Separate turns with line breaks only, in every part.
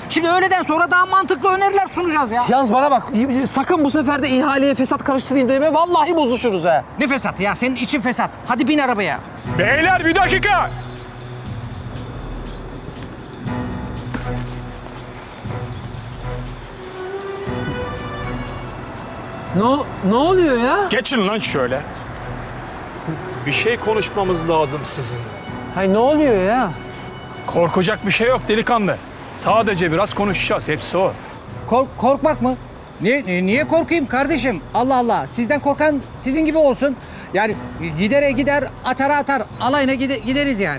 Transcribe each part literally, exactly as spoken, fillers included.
Şimdi öğleden sonra daha mantıklı öneriler sunacağız ya.
Yalnız bana bak, sakın bu sefer de ihaleye fesat karıştırayım deme. Vallahi bozuşuruz ha.
Ne fesat ya? Senin için fesat. Hadi bin arabaya.
Beyler bir dakika.
Ne, ne oluyor ya?
Geçin lan şöyle. Bir şey konuşmamız lazım sizinle.
Hay ne oluyor ya?
Korkacak bir şey yok delikanlı. Sadece biraz konuşacağız. Hepsi o.
Kork korkmak mı? Niye niye korkayım kardeşim? Allah Allah. Sizden korkan sizin gibi olsun. Yani gidere gider, atara atar. Alayına gide, gideriz yani.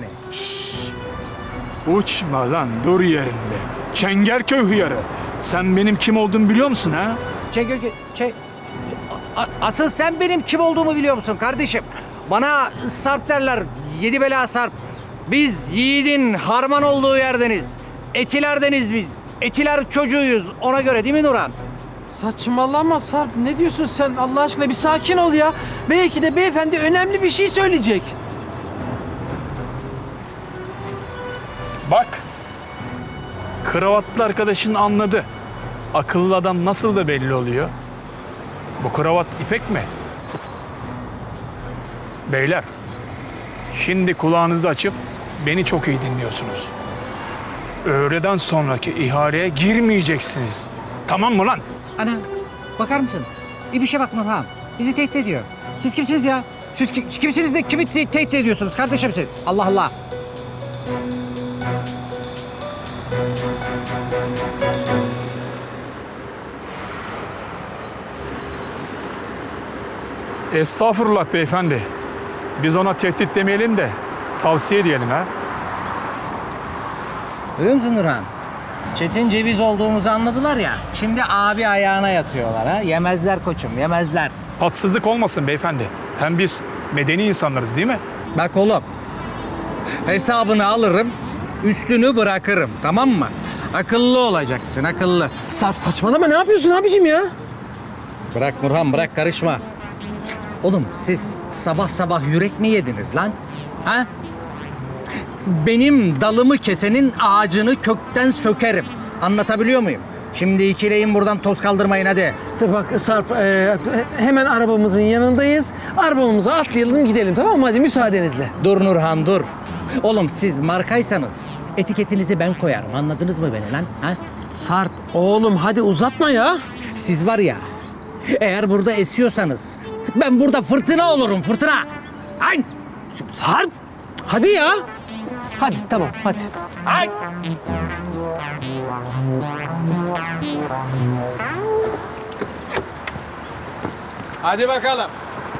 Uçma lan, dur yerinde. Çengelköy hıyarı. Sen benim kim olduğumu biliyor musun ha?
Çek, çek. A- asıl sen benim kim olduğumu biliyor musun kardeşim? Bana Sarp derler. Yedi bela Sarp. Biz yiğidin harman olduğu yerdeniz. Etilerdeniz biz. Etiler çocuğuyuz. Ona göre değil mi Nurhan?
Saçmalama Sarp. Ne diyorsun sen? Allah aşkına bir sakin ol ya. Belki de beyefendi önemli bir şey söyleyecek.
Bak. Kravatlı arkadaşın anladı. Akıllı adam nasıl da belli oluyor. Bu kravat ipek mi? Beyler. Şimdi kulağınızı açıp beni çok iyi dinliyorsunuz. Öğleden sonraki ihaleye girmeyeceksiniz. Tamam mı lan?
Ana bakar mısın? İyi bir şey bak Nurhan. Bizi tehdit ediyor. Siz kimsiniz ya? Siz ki- kimsiniz de kimi te- tehdit ediyorsunuz kardeşim siz? Allah Allah.
Estağfurullah beyefendi. Biz ona tehdit demeyelim de tavsiye diyelim ha.
Görüyor musun Nurhan? Çetin ceviz olduğumuzu anladılar ya. Şimdi abi ayağına yatıyorlar ha. Yemezler koçum, yemezler.
Haksızlık olmasın beyefendi. Hem biz medeni insanlarız değil mi?
Bak oğlum. Hesabını alırım, üstünü bırakırım. Tamam mı? Akıllı olacaksın, akıllı.
Sarp saçmalama, ne yapıyorsun abicim ya?
Bırak Nurhan, bırak karışma. Oğlum siz sabah sabah yürek mi yediniz lan? Ha? Benim dalımı kesenin ağacını kökten sökerim. Anlatabiliyor muyum? Şimdi ikileyin buradan toz kaldırmayın hadi.
Tabii bak Sarp, e, hemen arabamızın yanındayız. Arabamıza atlayalım gidelim, tamam mı? Hadi müsaadenizle.
Dur Nurhan dur. Oğlum siz markaysanız etiketinizi ben koyarım. Anladınız mı beni lan? Ha?
Sarp oğlum hadi uzatma ya.
Siz var ya, eğer burada esiyorsanız ben burada fırtına olurum, fırtına. Ay!
Sarp hadi ya. Hadi tamam hadi.
Ay! Hadi bakalım.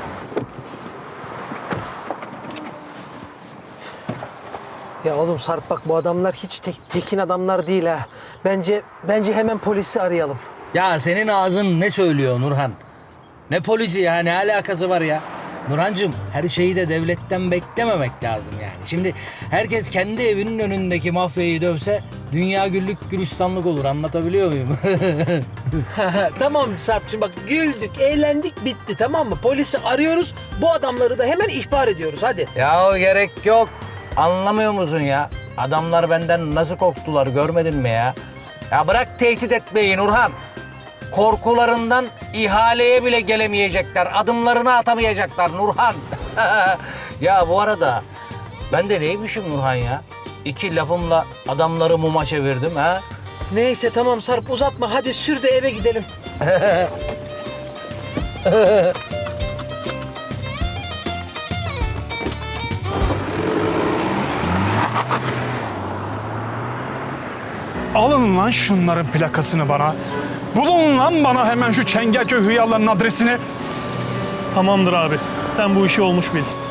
Ya oğlum Sarp bak, bu adamlar hiç tek, tekin adamlar değil ha. Bence bence hemen polisi arayalım.
Ya senin ağzın ne söylüyor Nurhan? Ne polisi ya, ne alakası var ya? Nurhancığım, her şeyi de devletten beklememek lazım yani. Şimdi herkes kendi evinin önündeki mafyayı dövse dünya güllük gülistanlık olur, anlatabiliyor muyum?
Tamam Sarp'cığım bak, güldük, eğlendik, bitti, tamam mı? Polisi arıyoruz, bu adamları da hemen ihbar ediyoruz, hadi.
Ya gerek yok. Anlamıyor musun ya? Adamlar benden nasıl korktular, görmedin mi ya? Ya bırak tehdit etmeyi Nurhan. Korkularından ihaleye bile gelemeyecekler. Adımlarını atamayacaklar Nurhan. Ya bu arada ben de neymişim Nurhan ya? İki lafımla adamları muma çevirdim ha?
Neyse tamam Sarp, uzatma, hadi sür de eve gidelim.
Alın lan şunların plakasını bana. Bulun lan bana hemen şu Çengelköy hıyarlarının adresini.
Tamamdır abi. Sen bu işi olmuş bil.